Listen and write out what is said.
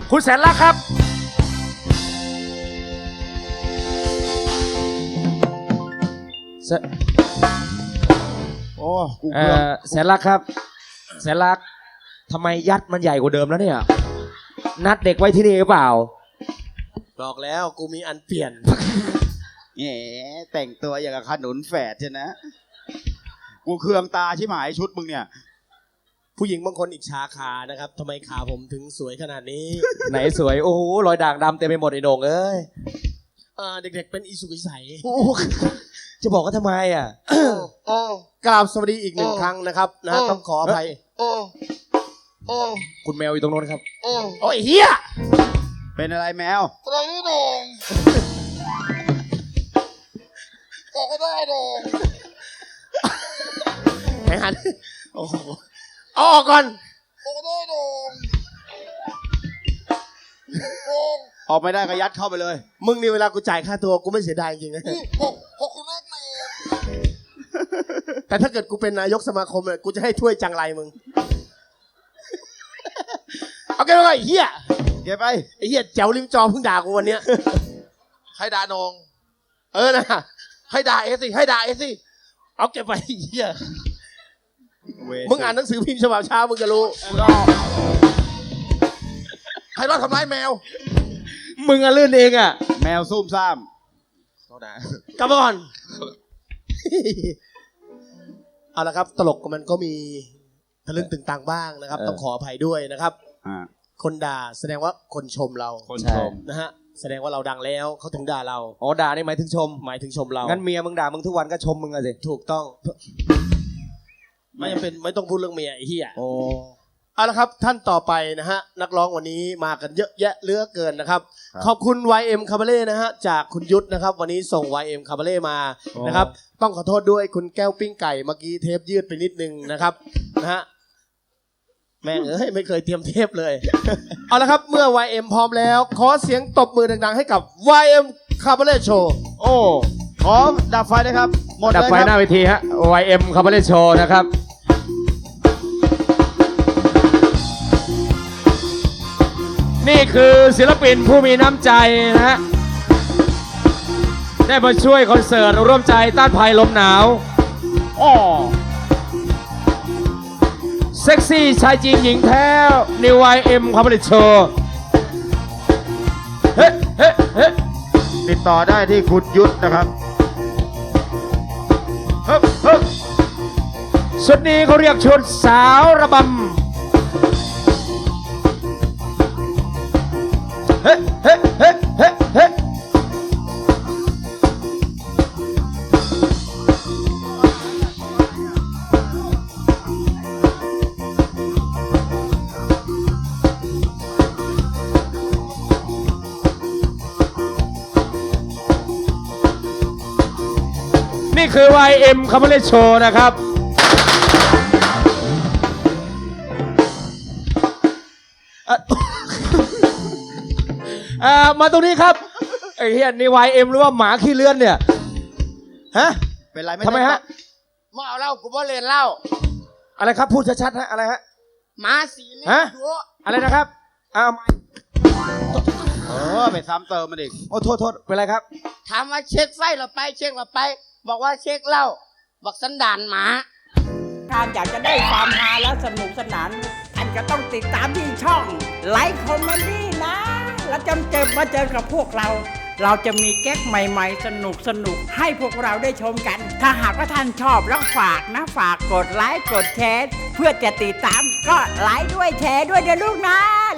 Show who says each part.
Speaker 1: คุณแสนรักครับ
Speaker 2: โอ้กูเกือบ
Speaker 1: แสนรักครับแสนรักทำไมยัดมันใหญ่กว่าเดิมแล้วเนี่ยนัดเด็กไว้ที่นี่หรือเปล่า
Speaker 3: บอกแล้วกูมีอันเปลี่ยน
Speaker 2: แหมแต่งตัวอย่างกับขนุนแฝดใช่นะ กูเคืองตาชิบหายชุดมึงเนี่ย
Speaker 3: ผู้หญิงบางคนอิจฉาขานะครับทำไมขาผมถึงสวยขนาดนี้
Speaker 1: ไหนสวยโอ้โหรอยด่างดำเต็มไปหมดไอ้โหน่งเอ้ย
Speaker 3: เด็กๆเป็นอิสุกิใส
Speaker 1: โอ้จะบอกว่าทำไมอ่ะ
Speaker 3: กราบสวัสดีอีกหนึ่งครั้งนะครับนะต้องขออภัย
Speaker 1: คุณแมวอยู่ตรงโน้นครับ
Speaker 3: โอ้ยเฮีย
Speaker 2: เป็นอะไรแมว
Speaker 4: อะไรนี่โดงบอกก็ได้โดง
Speaker 3: ไหนหันโอ้โหเอาออกก่อน
Speaker 4: บอกก็ได้โดงโดง
Speaker 2: ออกไม่ได้ก็ยัดเข้าไปเลย
Speaker 3: มึงนี่เวลากูจ่ายค่าตัวกูไม่เสียดายจริงๆนะ
Speaker 4: บอกคุณแม่เนย
Speaker 3: แต่ถ้าเกิดกูเป็นนายกสมาคมเนี่ยกูจะให้ถ้วยจังไรมึงเอาเก็บไปก่อนไอ้เฮีย
Speaker 2: เก็บไป
Speaker 3: ไอ้เฮียแจ๋วริมจอเพิ่งด่ากูวันเนี้ย
Speaker 4: ใครด่านง
Speaker 3: นะให้ด่าเอสิให้ด่าเอสิเอาเก็บไปไอ้เฮียมึงอ่านหนังสือพิมพ์ฉบับเช้ามึงจะรู้
Speaker 4: ใครรอดทำร้ายแมว
Speaker 1: มึงอะลื่นเองอ่ะ
Speaker 2: แมวซุ่มซ่าม
Speaker 3: กลับมาก่อน เอาละครับตลกมันก็มีทะลึ่งตึงตังบ้างนะครับ ต้องขออภัยด้วยนะครับ คนด่าแสดงว่าคนชมเรา
Speaker 2: คนชม
Speaker 3: นะฮะแสดงว่าเราดังแล้วเขาถึงด่าเรา
Speaker 1: อ๋อด่านี่หมายถึงชม
Speaker 3: หมายถึงชมเรา
Speaker 1: งั้นเมียมึงด่ามึงทุกวันก็ชมมึงอะสิ
Speaker 3: ถูกต้อง ไม่จำเป็นไม่ต้องพูดเรื่องเมียไอ้เหี้ย
Speaker 1: โอ้
Speaker 3: เอาละครับท่านต่อไปนะฮะนักร้องวันนี้มากันเยอะแยะเหลือเกินนะครับ ขอบคุณ YM Cabaret นะฮะจากคุณยุทธนะครับ วันนี้ส่ง YM Cabaret มานะครับ ต้องขอโทษด้วยคุณแก้วปิ้งไก่เมื่อกี้เทปยืดไปนิดนึงนะครับนะฮะแม่งเอ้ยไม่เคยเตรียมเทปเลย เอาละครับเมื่อ YM พร้อมแล้ว ขอเสียงตบมือดังๆให้กับ YM Cabaret Show
Speaker 2: โอ้ขอดับไฟนะครับ หมด
Speaker 1: ดับ
Speaker 2: เลย
Speaker 1: ไฟ
Speaker 2: ค
Speaker 1: หน้า
Speaker 2: รับ
Speaker 1: เวทีฮะ YM Cabaret Show นะครับนี่คือศิลปินผู้มีน้ำใจนะฮะได้มาช่วยคอนเสิร์ตร่วมใจต้านภัยลมหนาวอ้อเซ็กซี่ชายจริงหญิงแท้ New YM Cabaret Show เฮ้เฮ้เฮ้
Speaker 2: ติดต่อได้ที่คุณยุทธนะครับ
Speaker 1: เฮ้เฮ้ชุดนี้เขาเรียกชุดสาวระบำเฮ้เฮ้เฮ้เฮ้เฮ้นี่คือ YM Cabaret Show นะครับมาตรงนี้ครับไอ้เฮียนี่ YM หรือว่าหมาขี้เลื่อนเนี่ยฮะ
Speaker 2: เป็นไรไม่
Speaker 1: ทำไมฮะ
Speaker 4: มาเอาเหล้ากูบ่เล่นเหล้า
Speaker 1: อะไรครับพูดชัดๆฮะอะไรฮะ
Speaker 4: หมาสีนี่
Speaker 1: ฮะ
Speaker 4: ดู
Speaker 1: อะไรนะครับอ้าว
Speaker 2: ไปซ้ำเติมมันอีก
Speaker 1: โอ้โทษโทษเป็นไรครับ
Speaker 4: ถามว่าเช็คไฟเราไปเช็คเราไป บอกว่าเช็คเหล้าบอกสันดานหมา
Speaker 5: ท่านอยากจะได้ความฮาและสนุกสนานท่านก็ต้องติดตามที่ช่องไลฟ์คอมเมดี้นะ แล้วจนมาเจอกับพวกเรา เราจะมีแก๊กใหม่ๆ สนุกให้พวกเราได้ชมกัน ถ้าหากว่าท่านชอบแล้วฝากนะฝากกดไลค์กดแชร์เพื่อจะติดตามก็ไลค์ด้วยแชร์ด้วยเดี๋ยวลูกนะ